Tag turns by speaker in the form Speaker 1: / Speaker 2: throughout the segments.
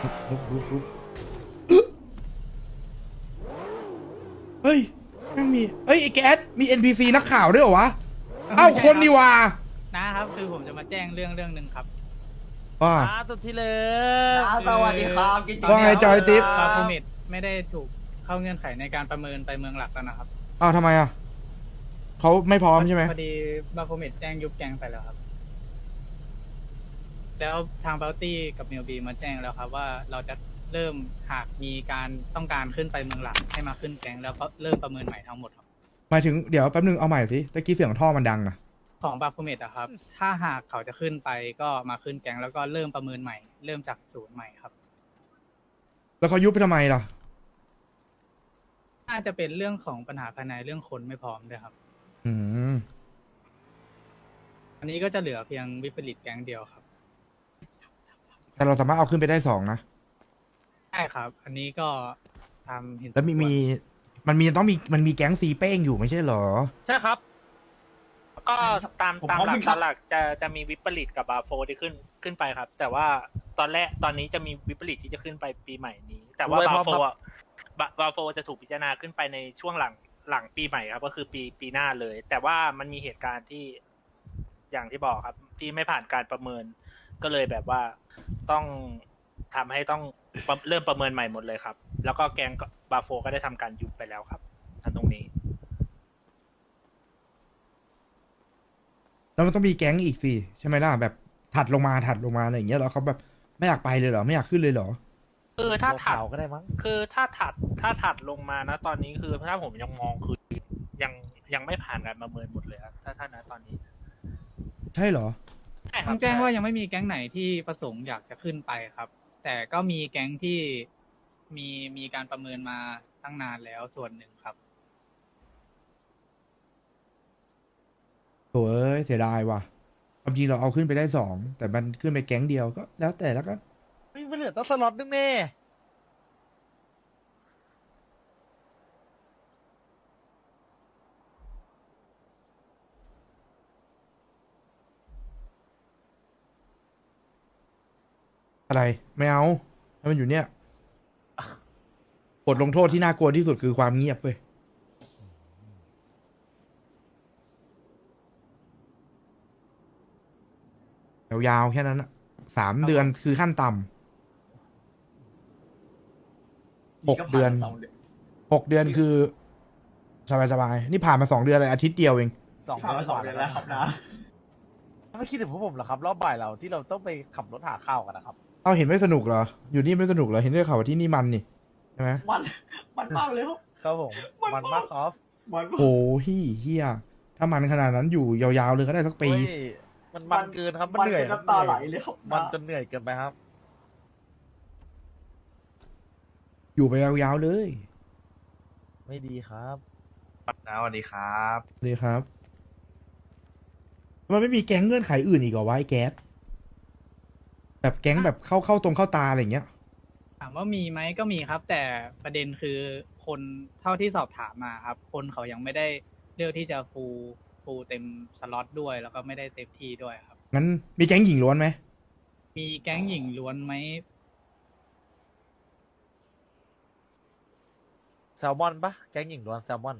Speaker 1: เฮ้ยแม่งมีเอ้ยไอ้แก๊สมี NPC นักข่าวด้วยเหรอวะเอ้าคนนี่ว่า
Speaker 2: นะครับคือผมจะมาแจ้งเรื่องหนึ่งครับ
Speaker 1: ว่า
Speaker 3: สุดที่เลย
Speaker 4: สวัสดีครับกิจกรรม
Speaker 1: ว่าไงจอยติ๊บ
Speaker 2: ปาฟูเมดไม่ได้ถูกเข้าเงื่อนไขในการประเมินไปเมืองหลักแล้วนะครับ
Speaker 1: อ้าวทำไมอ่ะเขาไม่พร้อมใช่ไหม
Speaker 2: พอดีบาฟูเมดแจ้งยุบแกงไปแล้วครับ แล้วทางเบลตี้กับเมลบีมาแจ้งแล้วครับว่าเราจะเริ่มหากมีการต้องการขึ้นไปเมืองหลักให้มาขึ้นแกงแล้วก็เริ่มประเมินใหม่ทั้งหมดครับ
Speaker 1: หมายถึงเดี๋ยวแป๊บนึงเอาใหม่สิตะกี้เสียงท่อมันดังนะ
Speaker 2: ของบาฟูเมดอะครับ ถ้าหากเขาจะขึ้นไปก็มาขึ้นแกงแล้วก็เริ่มประเมินใหม่ เริ่มจากศูนย์ใหม่ครับ
Speaker 1: แล้วเขายุบไปทำไมล่ะ
Speaker 2: น่าจะเป็นเรื่องของปัญหาภายในเรื่องคนไม่พร้อมด้วยครับ
Speaker 1: อืม
Speaker 2: อันนี้ก็จะเหลือเพียงวิปริตแก๊งเดียวครับ
Speaker 1: แต่เราสามารถเอาขึ้นไปได้2นะ
Speaker 2: ใช่ครับ อันนี้ก็ตามเห็น
Speaker 1: แล้วมันมีแก๊งซีเป้งอยู่ไม่ใช่เหรอ
Speaker 3: ใช่ครับ
Speaker 5: ก็ตามหลักหลักจะมีวิปริตกับบาโฟที่ขึ้นไปครับ แต่ว่าตอนนี้จะมีวิปริตที่จะขึ้นไปปีใหม่นี้ แต่ว่าบาโฟจะถูกพิจารณาขึ้นไปในช่วงหลังปีใหม่ครับ ก็คือปีหน้าเลย แต่ว่ามันมีเหตุการณ์ที่อย่างที่บอกครับ ที่ไม่ผ่านการประเมิน ก็เลยแบบว่าต้องทำให้ต้องเริ่มประเมินใหม่หมดเลยครับ แล้วก็แกงบาโฟก็ได้ทำการยุบไปแล้วครับตรงนี้
Speaker 1: แล้วมันต้องมีแก๊งอีกสิใช่ไหมล่ะแบบถัดลงมาอะไรอย่างเงี้ยแล้วเขาแบบไม่อยากไปเลยเหรอไม่อยากขึ้นเลยเหรอ
Speaker 5: ถ้าถัด
Speaker 3: ก็ได้มั้ง
Speaker 5: คือถ้าถัดลงมานะตอนนี้คือถ้าผมยังมองคือยังไม่ผ่านการประเมินหมดเลยครับถ้านะตอนนี้
Speaker 1: ใช่เหรอ
Speaker 5: ใช่ค
Speaker 2: ต้
Speaker 5: รั
Speaker 2: อบ งแจ้งว่ายังไม่มีแก๊งไหนที่ประสงค์อยากจะขึ้นไปครับ แต่ก็มีแก๊งที่มีการประเมินมาตั้งนานแล้วส่วนหนึ่งครับ
Speaker 1: โถ่เอ้ยเสียดายว่ะความจริงเราเอาขึ้นไปได้2แต่มันขึ้นไปแก๊งเดียวก็แล้วแต่แล้วกัน
Speaker 3: ไม่เหลือตั้งสล็อตนึงแน่
Speaker 1: อะไรไม่เอาให้มันอยู่เนี่ยบทลงโทษที่น่ากลัวที่สุดคือความเงียบเว้ยยาวๆแค่นั้นอะ3 เดือนคือขั้นต่ำ6 เดือน6 เดือนคือสบายๆนี่ผ่านมา2 เดือนเลยอาทิตย์เดียวเอง
Speaker 4: ผ่านมา2 เดือนแล้วครับนะ
Speaker 3: ไม่คิดถึงพวกผมเหรอครับ รอบบ่ายเราที่เราต้องไปขับรถหาข้าวกันนะครับ
Speaker 1: เอาเห็นไม่สนุกเหรออยู่นี่ไม่สนุกเหรอเห็นได้ข่าวว่าที่นี่มันนี่ใช่ไหม
Speaker 4: มันมากเลยครับ
Speaker 3: ครับผม มันมากครับ
Speaker 4: มันมาก
Speaker 1: โอ้เฮียถ้ามันขนาดนั้นอยู่ยาวๆเลยก็ได้สักปี
Speaker 3: เฮ้ยมันเกินครับ มันเหนื่อย
Speaker 4: น้ำตาไหลเลยครับ
Speaker 3: มันจนเหนื่อยเกินไปครับ
Speaker 1: อยู่ไปยาวๆเลย
Speaker 3: ไม่ดีครับ
Speaker 6: นะสวัสดีครับ
Speaker 1: เลยครับมันไม่มีแก๊งเงื่อนไขอื่นอีกเหรอวะไอ้แก๊สแบบแก๊งแบบเข้าตรงเข้าตาอะไรอย่างเงี้ย
Speaker 2: ถามว่ามีไหมก็มีครับ แต่ประเด็นคือคนเท่าที่สอบถามมาครับ คนเขายังไม่ได้เลือกที่จะฟูลเต็มสล็อตด้วย แล้วก็ไม่ได้เต็มที่ด้วยครับ
Speaker 1: งั้นมีแก๊งหญิงล้วนไหม
Speaker 2: มีแก๊งหญิงล้วนไหม
Speaker 3: แซลมอนปะแก๊งหญิงล้วนแซลมอน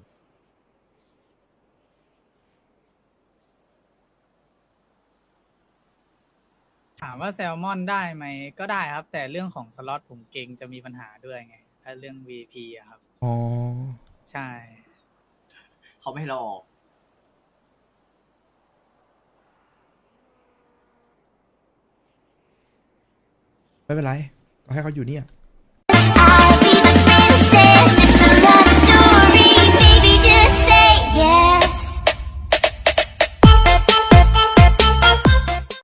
Speaker 2: ถามว่าแซลมอนได้ไหมก็ได้ครับ แต่เรื่องของสล็อตผมเก่งจะมีปัญหาด้วยไงถ้าเรื่อง VP อะครับ
Speaker 1: อ๋อ
Speaker 2: ใช่
Speaker 4: เขาไม่ให้เราออก
Speaker 1: ไม่เป็นไรก็ให้เขาอยู่เนี่ย
Speaker 7: I'll be the princess. It's a